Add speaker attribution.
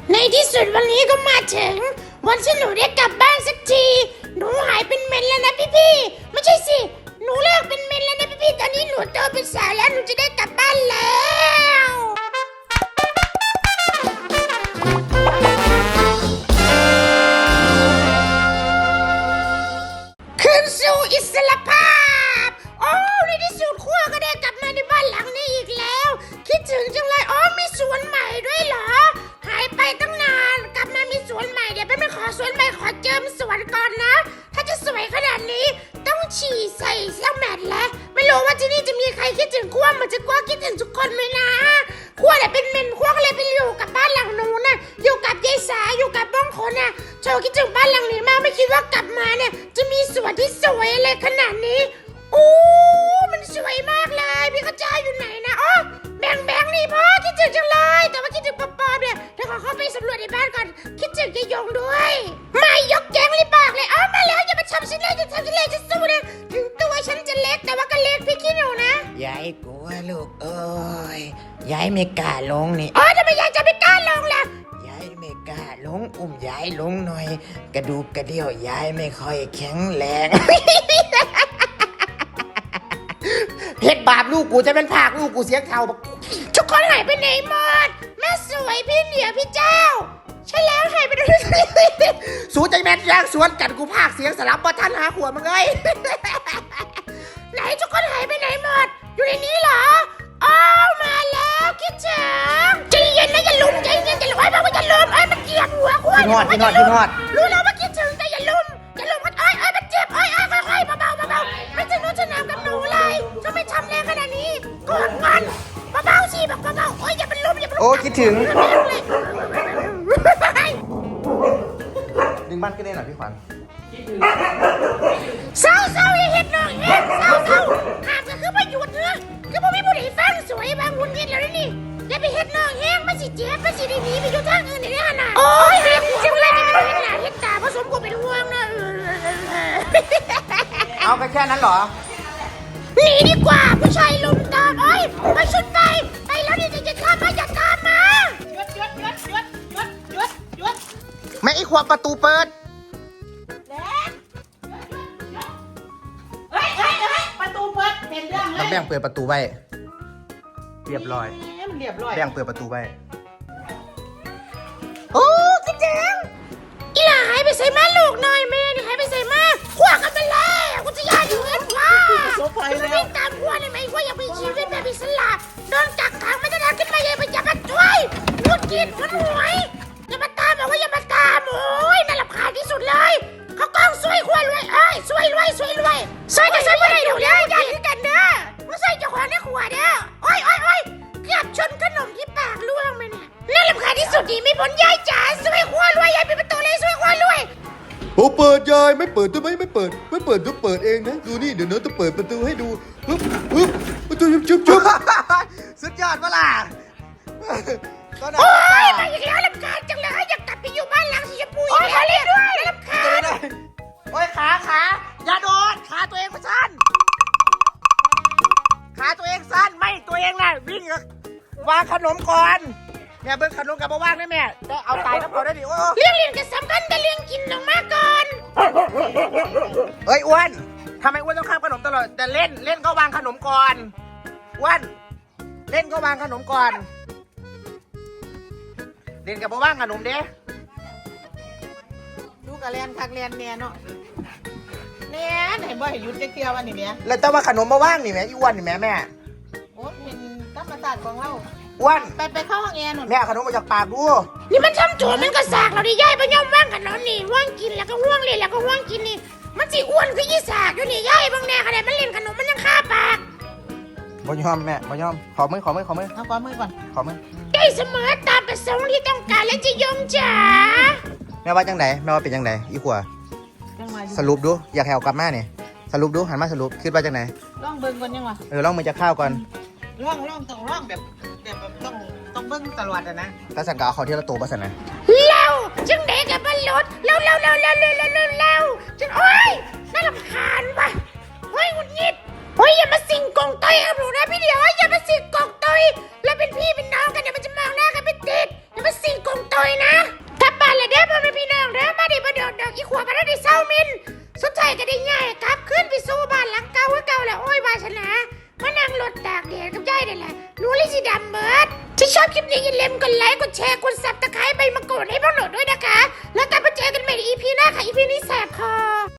Speaker 1: ในที่สุดวันนี้ก็มาถึงวันที่หนูได้กลับบ้านสักทีหนูหายเป็นเมนแล้วนะพี่ๆไม่ใช่สิหนูเลิกเป็นเมนแล้วนะพี่ๆตอนนี้หนูโตเป็นสาวแล้วหนูจะได้กลับบ้านแล้วคืนสู่อิสรภาพโอ้ในที่สุดขั้วก็ได้กลับมาในบ้านหลังนี้อีกแล้วคิดถึงจังเลยอ๋อมีสวนใหม่ด้วยเหรอหายไปตั้งนานกลับมามีสวนใหม่เดี๋ยวไปขอสวนใหม่ขอเจิมสวนก่อนนะถ้าจะสวยขนาดนี้ต้องฉี่ใส่เสื้อแมทแล้วไม่รู้ว่าที่นี่จะมีใครคิดถึงขั้วเหมือนจะขั้วคิดถึงทุกคนไหมนะขั้วแหละเป็นเมนขั้วก็เลยไปอยู่กับบ้านหลังนู้นน่ะอยู่กับยายสาอยู่กับบ้องคนน่ะโชว์คิดถึงบ้านหลังนี้มากไม่คิดว่ากลับมาเนี่ยจะมีสวนที่สวยอะไรขนาดนี้โอ้มันสวยมากเลยพี่กระจายอยู่ไหนนะอ๋อแบงนี่พ่อคิดถึงจังเลยแต่ว่าคิดถึงปอเนี่ยเดี๋ยวขอเข้าไปสำรวจในบ้านก่อนคิดถึงยายยงด้วยไม่ยกแกงรีบบอกเลยอ๋อมาแล้วอย่ามาทำฉันเลยจะทำฉันเลยจะสู้นะถึงตัวฉันจะเล็กแต่ว่าก็เล็กพี่ขี้หนูนะ
Speaker 2: ยายกลัวลูกเอ้ยยายไม่กล้าลงนี่
Speaker 1: อ๋อทำไมยายจะไม่กล้าลงล่ะ
Speaker 2: ยายไม่กล้าลงอุ้มยายลงหน่อยกระดูกกระเดี่ยวยายไม่ค่อยแข็งแรง เฮ็ดบาปลูกกูจะเป็นภาคลูกกูเสียงเท่าบัก
Speaker 1: ทุกคนหายไปไหนหมดแม่สวยพี่เหนียวพี่เจ้าใช่แล้วหายไปไหน
Speaker 2: สู้ใจแม่นยางสวนกันกูภาคเสียงสลับบ่ทันหาขวดมึงเอ้ย
Speaker 1: ไหนทุกคนหายไปไหนหมดอยู่ในนี้เหรออ๋อมาแล้วคิดถึงใจเย็นนะอย่าลุมใจเย็นอย่าลุมไอ้บอกว่าอย่าลุมไอ้มันเกลียดหัวควาย
Speaker 2: พี่นอด
Speaker 1: รู้แล้วว่าคิดถึงแต่อย่าลุมมันไอ้มันเจ็บไอ้ค่อยๆเบาๆไม่จะนู้จะนำกับหนูเลยจะไม่ทำแรงขนาดนี้กอดมันเบาๆสิแบบเบาๆโอ้ยอย่าเป็นลมอย่าเป็น
Speaker 2: โอ้คิดถึง
Speaker 1: เลย
Speaker 2: ดึงบ้านขึ้นได้หน่อยพี่ขวัญ
Speaker 1: เศร้าอย่าเห็นน้องเห็นเศร้าหากก็คือประโยชน์เนื้อคือพวกพี่ผู้ใดฟังสวยบางหุ่นเห็นแล้วนี่อย่าไปเห็นน้องแห้งมันสิเจ็บมันสิได้หนีไปอยู่ทางอื่นได้ขนาดโอ้ยหากจังเลยจะเป็นเห็นหน้าเห็นตาผสมกูเป็นห่วงนะ
Speaker 2: เอาไปแค่นั้นเหรอ
Speaker 1: หนีดีกว่าผู้ชายลุมตามเอ้ยไปชุดไปแล้วนี่จะตามมาอย่าตามมาหยุด
Speaker 2: ไม่ไอ้ขวดประตูเปิด
Speaker 3: เฮ้ยประตูเปิดเป็นเรื่องเลย
Speaker 2: แล้วแบ่งเปิดประตูไว้เรียบร้อย
Speaker 3: เรียบร้อย
Speaker 2: แบ่งเปิดประตูไว้
Speaker 1: โอ้กระเจิงอีหล่าหายไปใส่มาลูกหน่อยแม่นี่หายไปใส่มาขวากันไปแล้วกูจะยาอยู่เงินว่าจะวิ่งตามขวาได้ไหมว่าอย่าไปชีวิตแบบอิสระโดนกักขังไม่ได้ขึ้นมาอย่ามาช่วยงุดกินมันหวยอย่ามาตามบอกว่าอย่ามาตามโอ้ยน่ารำคาญที่สุดเลยเขากล้องช่วยขวารวยเอ้ยช่วยรวยช่วยก็ช่วยไม่ได้ดูเลยอย่าถึงกันเด้อมาใส่เจ้าของในขวาเด้อโอ้ยเกือบชนขนมที่ปากล่วงไปเนี่ยน่ารำคาญที่สุดดีไม่พ้นยายจ๋าช่วยขวารวยยายปิดประตูเลยช่วยขวารวย
Speaker 4: โอ้เปิดยายไม่เปิดทำไมไม่เปิดต้องเปิดเองนะดูนี่เดี๋ยวน้องจะเปิดประตูให้ดูปึ๊บประตูชุบ
Speaker 2: สุดยอดเวล่ะก็ได้
Speaker 1: โอ้ยมาอีกแล้วรำคาญจังเลยอยากกลับไปอยู่บ้านหลังสีชมพูอีกแล้วเลยด้วยรำคาญ
Speaker 2: โอ้ยขาอย่าโดนขาตัวเองมันสั้นขาตัวเองสั้นไม่ตัวเองน่ะวิ่งวางขนมก่อนแม่เบิ้งขนมกับมาว่างได้แม่ได้เอาตายน้ำก่อนได้ดิโอ้
Speaker 1: เรื่องเรียนก็สำคัญแต่เรื่องกินออกมาก่อน
Speaker 2: เฮ้ยอ้วนทำไมอ้วนต้องข้ามขนมตลอดแต่เล่นก็วางขนมก่อนอ้วนเล่นก็วางขนมก่อนเล่นกับมาว่างขนมเด้
Speaker 3: ดูกระเรียนคักเรียนเนี่ยเนาะเนี่ยไหนบ่ให้หยุดจะเที่ยววันนี้เนี่ย
Speaker 2: แล้วแต่ว่าขนมมาว่างนี่แม่อีอ้วนนี่แม่
Speaker 3: โอ้เป็นธรรมศาสตร์ของเรา
Speaker 2: อ้วน
Speaker 3: ไปเข้าห้องแอร์หน่อย
Speaker 2: แม่เอาขนมมาจากปากดู
Speaker 1: นี่มันทำโจรมันก็สากเราดิยายไปย่อมว่างกันนอนนี่ว่างกินแล้วก็ว่างเล่นแล้วก็ว่างกินนี่มันสิอ้วนคือยี่สากอยู่นี่ยายบางแน่ขนาดมันเล่นขนมมันยังคาปาก
Speaker 2: บ่ยอมแม่บ่ยอมขอมือ
Speaker 3: เอาขวามือก่อน
Speaker 2: ขอมือ
Speaker 1: ได้เสมอตามประสงค์ที่ต้องการและจะยงจ๋า
Speaker 2: แม่ว่าจังไดแม่ว่าเป็นจังไดอีขว
Speaker 3: ยังมาอยู่
Speaker 2: สรุปดูอยากให้เอากลับมาเนี่ยสรุปดูหันมาสรุปคิดว่าจังได
Speaker 3: ล่องเบิ้งก่อนยังวะ
Speaker 2: ลองมือจะข้าวก่อน
Speaker 3: ล่องต้องล่องแบบต้องเบิ้งตลอดอะนะ
Speaker 2: ถ้าสั่งก็เอาเขาที่ละตัวมาสั่นนะ
Speaker 1: เร็วจึงเด็กกับบรรลุเร็วจึงโอ้ยน่ารำคาญว่ะเฮ้ยหงุดหงิดเฮ้ยอย่ามาสิงกองต้อยกับหนูนะพี่เดียวอย่ามาสิงกองต้อยแล้วเป็นพี่เป็นน้องกันเดี๋ยวมันจะมองหน้ากันไม่ติดอย่ามาสิงกงตอยนะกลับบ้านเลยเด้อพ่อแม่พี่น้องเด้อมาดิมาเดือดอีขวบมาได้เศร้ามินสุดท้ายก็ได้ง่ายกลับขึ้นไปสู่บ้านหลังเก่าแล้วโอ้ยวาสนามานั่งรถตากแดดกับยายนี่แหละหนูเลยสิดำเบิดที่ชอบคลิปนี้อย่าลืมกดไลค์กดแชร์กดซับ